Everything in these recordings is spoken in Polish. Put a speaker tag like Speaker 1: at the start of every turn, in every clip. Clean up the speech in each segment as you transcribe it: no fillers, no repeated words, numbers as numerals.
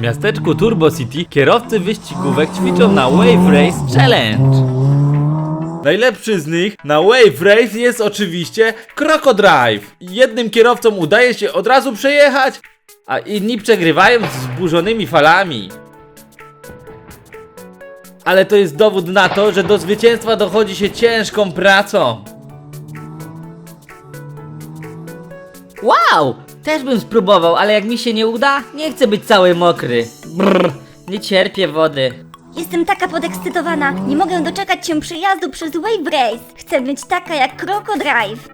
Speaker 1: miasteczku Turbo City kierowcy wyścigówek ćwiczą na Wave Race Challenge. Najlepszy z nich na Wave Race jest oczywiście Crocodrive. Jednym kierowcom udaje się od razu przejechać, a inni przegrywają z wzburzonymi falami. Ale to jest dowód na to, że do zwycięstwa dochodzi się ciężką pracą.
Speaker 2: Wow! Też bym spróbował, ale jak mi się nie uda, nie chcę być cały mokry. Brrr, nie cierpię wody.
Speaker 3: Jestem taka podekscytowana. Nie mogę doczekać się przejazdu przez Wave Race. Chcę być taka jak Crocodrive.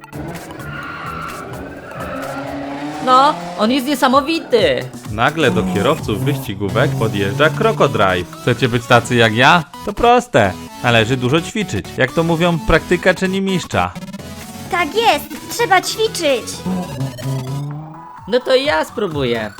Speaker 2: No, on jest niesamowity.
Speaker 1: Nagle do kierowców wyścigówek podjeżdża Crocodrive. Chcecie być tacy jak ja? To proste. Należy dużo ćwiczyć. Jak to mówią, praktyka czyni mistrza.
Speaker 3: Tak jest, trzeba ćwiczyć.
Speaker 2: No to ja spróbuję.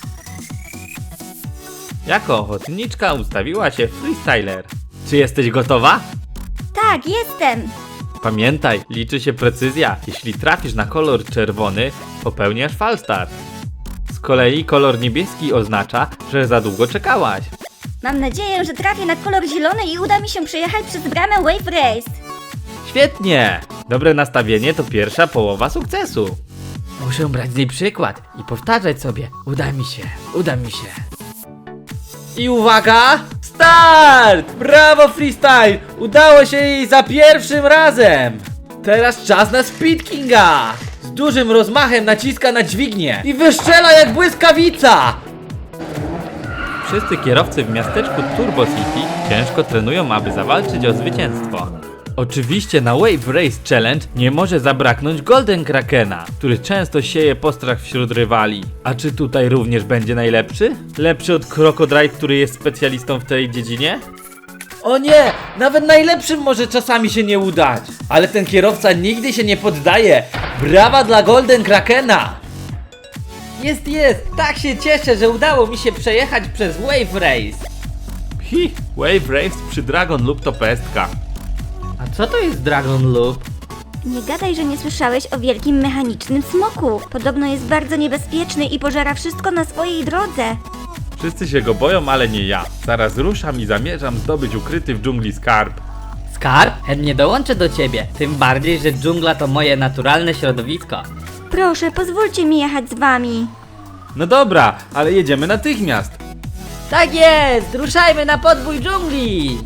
Speaker 1: Jako ochotniczka ustawiła się freestyler. Czy jesteś gotowa?
Speaker 3: Tak, jestem.
Speaker 1: Pamiętaj, liczy się precyzja. Jeśli trafisz na kolor czerwony, popełniasz falstart. Z kolei kolor niebieski oznacza, że za długo czekałaś.
Speaker 3: Mam nadzieję, że trafię na kolor zielony i uda mi się przejechać przez bramę Wave Race.
Speaker 1: Świetnie! Dobre nastawienie to pierwsza połowa sukcesu.
Speaker 2: Muszę brać z niej przykład i powtarzać sobie. Uda mi się, uda mi się.
Speaker 1: I uwaga! Start! Brawo freestyle! Udało się jej za pierwszym razem! Teraz czas na Speed Kinga! Z dużym rozmachem naciska na dźwignię i wystrzela jak błyskawica! Wszyscy kierowcy w miasteczku Turbo City ciężko trenują, aby zawalczyć o zwycięstwo. Oczywiście na Wave Race Challenge nie może zabraknąć Golden Krakena, który często sieje postrach wśród rywali. A czy tutaj również będzie najlepszy? Lepszy od Crocodrive, który jest specjalistą w tej dziedzinie? O nie! Nawet najlepszym może czasami się nie udać! Ale ten kierowca nigdy się nie poddaje! Brawa dla Golden Krakena!
Speaker 2: Jest! Tak się cieszę, że udało mi się przejechać przez Wave Race.
Speaker 1: Wave Race przy Dragon lub to pestka.
Speaker 2: A co to jest Dragon Loop?
Speaker 3: Nie gadaj, że nie słyszałeś o wielkim mechanicznym smoku. Podobno jest bardzo niebezpieczny i pożera wszystko na swojej drodze.
Speaker 1: Wszyscy się go boją, ale nie ja. Zaraz ruszam i zamierzam zdobyć ukryty w dżungli skarb.
Speaker 2: Skarb? Chętnie dołączę do ciebie. Tym bardziej, że dżungla to moje naturalne środowisko.
Speaker 3: Proszę, pozwólcie mi jechać z wami.
Speaker 1: No dobra, ale jedziemy natychmiast.
Speaker 2: Tak jest! Ruszajmy na podbój dżungli!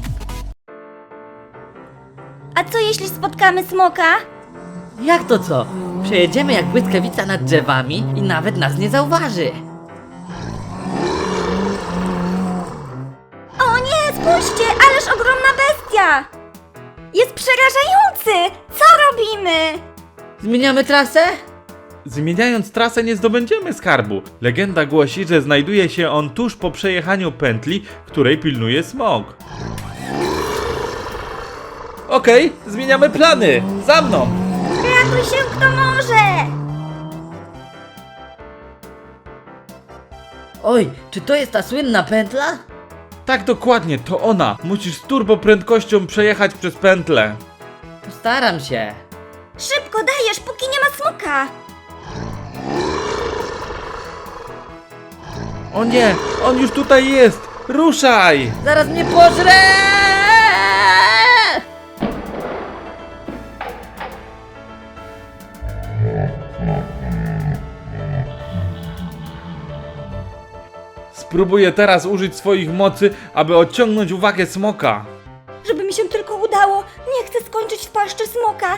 Speaker 3: A co jeśli spotkamy smoka?
Speaker 2: Jak to co? Przejedziemy jak błyskawica nad drzewami i nawet nas nie zauważy.
Speaker 3: O nie, spójrzcie, ależ ogromna bestia! Jest przerażający! Co robimy?
Speaker 2: Zmieniamy trasę?
Speaker 1: Zmieniając trasę nie zdobędziemy skarbu. Legenda głosi, że znajduje się on tuż po przejechaniu pętli, której pilnuje smok. Okej, zmieniamy plany. Za mną!
Speaker 3: Ratuj się kto może!
Speaker 2: Oj, czy to jest ta słynna pętla?
Speaker 1: Tak dokładnie, to ona. Musisz z turbo prędkością przejechać przez pętlę.
Speaker 2: Postaram się.
Speaker 3: Szybko dajesz, póki nie ma smoka!
Speaker 1: O nie, on już tutaj jest. Ruszaj!
Speaker 2: Zaraz mnie pożre!
Speaker 1: Spróbuję teraz użyć swoich mocy, aby odciągnąć uwagę smoka.
Speaker 3: Żeby mi się tylko udało, nie chcę skończyć w paszczy smoka.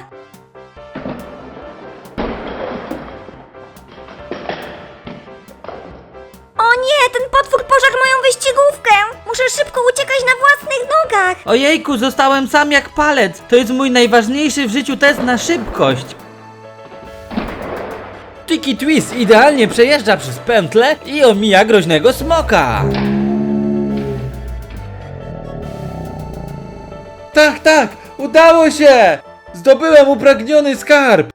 Speaker 3: O nie, ten potwór pożarł moją wyścigówkę! Muszę szybko uciekać na własnych nogach!
Speaker 2: Ojejku, zostałem sam jak palec. To jest mój najważniejszy w życiu test na szybkość.
Speaker 1: Tiki Twist idealnie przejeżdża przez pętlę i omija groźnego smoka. Tak, udało się! Zdobyłem upragniony skarb!